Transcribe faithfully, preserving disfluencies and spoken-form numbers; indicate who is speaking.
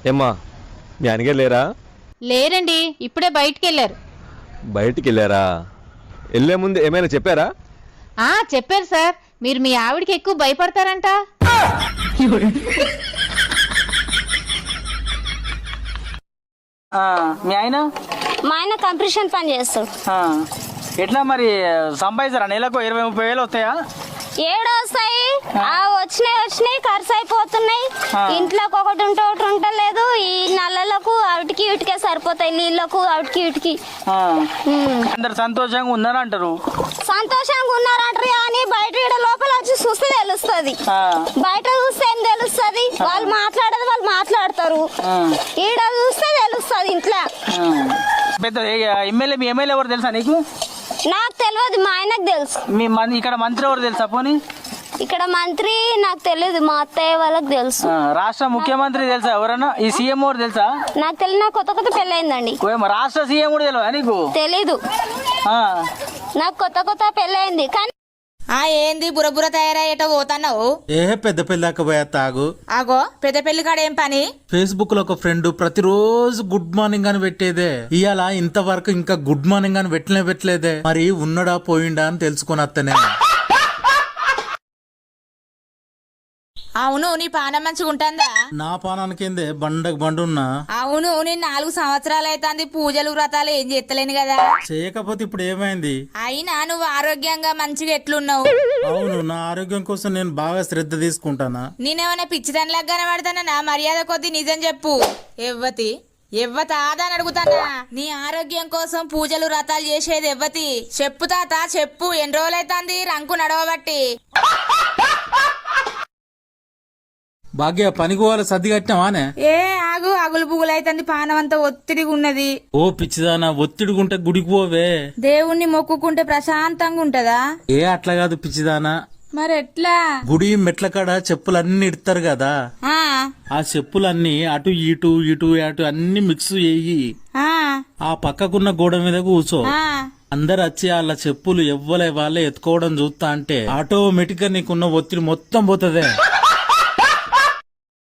Speaker 1: ఏమ్మా మీ ఆయనగారు లేరా?
Speaker 2: లేరండి, ఇప్పుడే బయటికి వెళ్ళారు.
Speaker 1: బయటికి వెళ్ళారా? వెళ్ళే ముందు ఏమైనా చెప్పారా?
Speaker 2: ఆ చెప్పారు సార్, మీరు మీ ఆవిడకి ఎక్కువ భయపడతారంట.
Speaker 3: మీ ఆయన
Speaker 4: మా ఆయన కంప్రెషన్ పని చేస్తాడు.
Speaker 3: ఎట్లా మరి సంపాదిస్తారా? నెలకు ఇరవై ముప్పై వేలు వస్తాయా?
Speaker 4: ఏడు వస్తాయి, ఆ వచ్చినాయి వచ్చినాయి ఖర్చు అయిపోతున్నాయి. ఇంట్లోకి ఒకటి ఉంటే ఒకటి ఉంటలేదు. ఈ నల్లలకు అవిటికి ఇటుకే సరిపోతాయి, నీళ్ళకు అవిటికి ఇటుకి.
Speaker 3: అందరు సంతోషంగా ఉన్నారంటారు.
Speaker 4: సంతోషంగా ఉన్నారంటారు కానీ బయట ఈడ లోపల వచ్చి చూస్తే తెలుస్తుంది. బయట చూస్తే ఏం తెలుస్తుంది? వాళ్ళు మాట్లాడేది వాళ్ళు మాట్లాడతారు, ఈడ చూస్తే తెలుస్తుంది ఇంట్లో.
Speaker 3: పెద్ద ఎమ్మెల్యే మీ ఎమ్మెల్యే ఎవరు తెలుసా నీకు?
Speaker 4: నాకు తెలియదు, మా ఆయనకు తెలుసు.
Speaker 3: మీ ఇక్కడ మంత్రి ఎవరు తెలుసా? పోనీ
Speaker 4: ఇక్కడ మంత్రి నాకు తెలియదు, మా అత్తయ్య వాళ్ళకి తెలుసు.
Speaker 3: రాష్ట్ర ముఖ్యమంత్రి తెలుసా ఎవరన్నా? ఈ సీఎం ఎవరు తెలుసా?
Speaker 4: నాకు తెలియదు, నాకు కొత్త కొత్త పెళ్ళి అయిందండి.
Speaker 3: రాష్ట్ర సీఎం కూడా తెలియదా నీకు?
Speaker 4: తెలీదు, నాకు కొత్త కొత్త పెళ్ళి అయింది. కానీ
Speaker 5: ఆ ఏంది బురబుర తయారయ్యేటో పోతున్నావు?
Speaker 6: ఏ పెద్ద పెళ్ళాక పోయా తాగు.
Speaker 5: ఆగో పెద్ద పెళ్లి కాడ ఏం పని?
Speaker 6: ఫేస్బుక్ లో ఒక ఫ్రెండ్ ప్రతిరోజు గుడ్ మార్నింగ్ అని పెట్టేదే. ఇవాళ ఇంతవరకు ఇంకా గుడ్ మార్నింగ్ అని పెట్టలే పెట్టలేదే. మరి ఉన్నడా పోయిండా అని తెలుసుకుని అత్తనే.
Speaker 5: అవును, నీ పానం మంచిగా ఉంటుందా?
Speaker 6: నా పానానికేందే బండకు బండున్నా.
Speaker 5: అవును, నేను నాలుగు సంవత్సరాలు అవుతుంది పూజలు వ్రతాలు ఏం చేస్తలేను కదా.
Speaker 6: చేయకపోతే ఇప్పుడు ఏమైంది?
Speaker 5: అయినా నువ్వు ఆరోగ్యంగా మంచిగా ఎట్లున్నావు?
Speaker 6: అవును, నా ఆరోగ్యం కోసం నేను బాగా శ్రద్ధ తీసుకుంటానా.
Speaker 5: నేనేమన్నా పిచ్చిదానిలాగా కనబడతానా? నా మర్యాద కొద్ది నిజం చెప్పు. ఎవ్వతి ఎవ్వత ఆదా అని అడుగుతానా? నీ ఆరోగ్యం కోసం పూజలు వ్రతాలు చేసేది ఎవ్వతి? చెప్పు తాత చెప్పు, ఎన్ని రోజులైతుంది రంకు నడవబట్టి?
Speaker 6: భాగ్య పనికి పోవాలి, సర్ది కట్టినావానే?
Speaker 5: ఏ ఆగు, అగులు పుగులు అవుతుంది, పానం అంతా ఒత్తిడిగా ఉన్నది.
Speaker 6: ఓ పిచ్చిదానా, ఒత్తిడిగుంటే గుడికి పోవే.
Speaker 5: దేవుణ్ణి మొక్కుకుంటే ప్రశాంతంగా ఉంటదా?
Speaker 6: ఏ అట్లా కాదు పిచ్చిదానా.
Speaker 5: మరి ఎట్లా?
Speaker 6: గుడి మెట్ల కాడ చెప్పులన్నీ ఇడతారు కదా, ఆ చెప్పులన్నీ అటు ఇటు ఇటు అటు అన్ని మిక్స్ చేయి. ఆ పక్కకున్న గోడ మీద కూర్చో. అందరు వచ్చి వాళ్ళ చెప్పులు ఎవ్వలే వాళ్ళే ఎత్తుకోవడం చూస్తా అంటే ఆటోమేటిక్ గా నీకున్న ఒత్తిడి మొత్తం పోతదే.